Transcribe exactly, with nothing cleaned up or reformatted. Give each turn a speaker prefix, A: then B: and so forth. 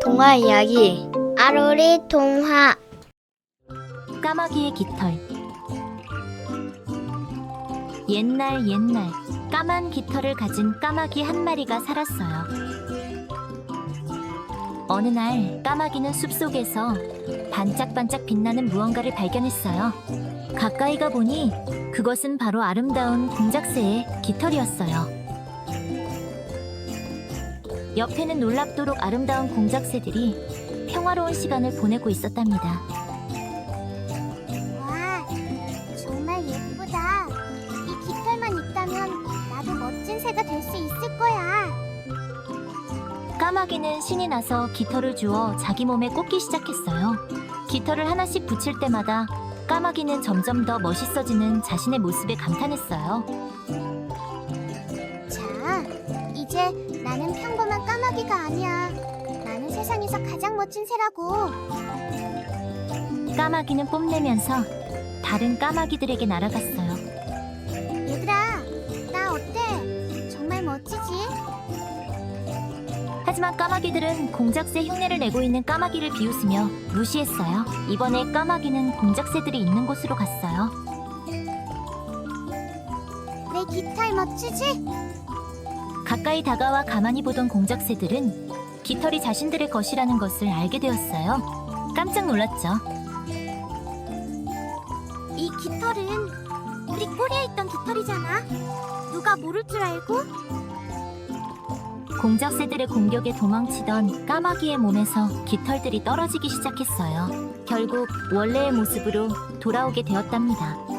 A: 동화 이야기 아로리 동화.
B: 까마귀의 깃털. 옛날 옛날 까만 깃털을 가진 까마귀 한 마리가 살았어요. 어느 날 까마귀는 숲속에서 반짝반짝 빛나는 무언가를 발견했어요. 가까이 가보니 그것은 바로 아름다운 공작새의 깃털이었어요. 옆에는 놀랍도록 아름다운 공작새들이 평화로운 시간을 보내고 있었답니다.
C: 와, 정말 예쁘다. 이 깃털만 있다면 나도 멋진 새가 될 수 있을 거야.
B: 까마귀는 신이 나서 깃털을 주워 자기 몸에 꽂기 시작했어요. 깃털을 하나씩 붙일 때마다 까마귀는 점점 더 멋있어지는 자신의 모습에 감탄했어요.
C: 자, 이제 나는 평범한 까마귀가 아니야. 나는 세상에서 가장 멋진 새라고.
B: 까마귀는 뽐내면서 다른 까마귀들에게 날아갔어요.
C: 얘들아, 나 어때? 정말 멋지지?
B: 하지만 까마귀들은 공작새 흉내를 내고 있는 까마귀를 비웃으며 무시했어요. 이번에 까마귀는 공작새들이 있는 곳으로 갔어요.
C: 내 깃털 멋지지?
B: 가까이 다가와 가만히 보던 공작새들은 깃털이 자신들의 것이라는 것을 알게 되었어요. 깜짝 놀랐죠.
C: 이 깃털은 우리 꼬리에 있던 깃털이잖아. 누가 모를 줄 알고?
B: 공작새들의 공격에 도망치던 까마귀의 몸에서 깃털들이 떨어지기 시작했어요. 결국 원래의 모습으로 돌아오게 되었답니다.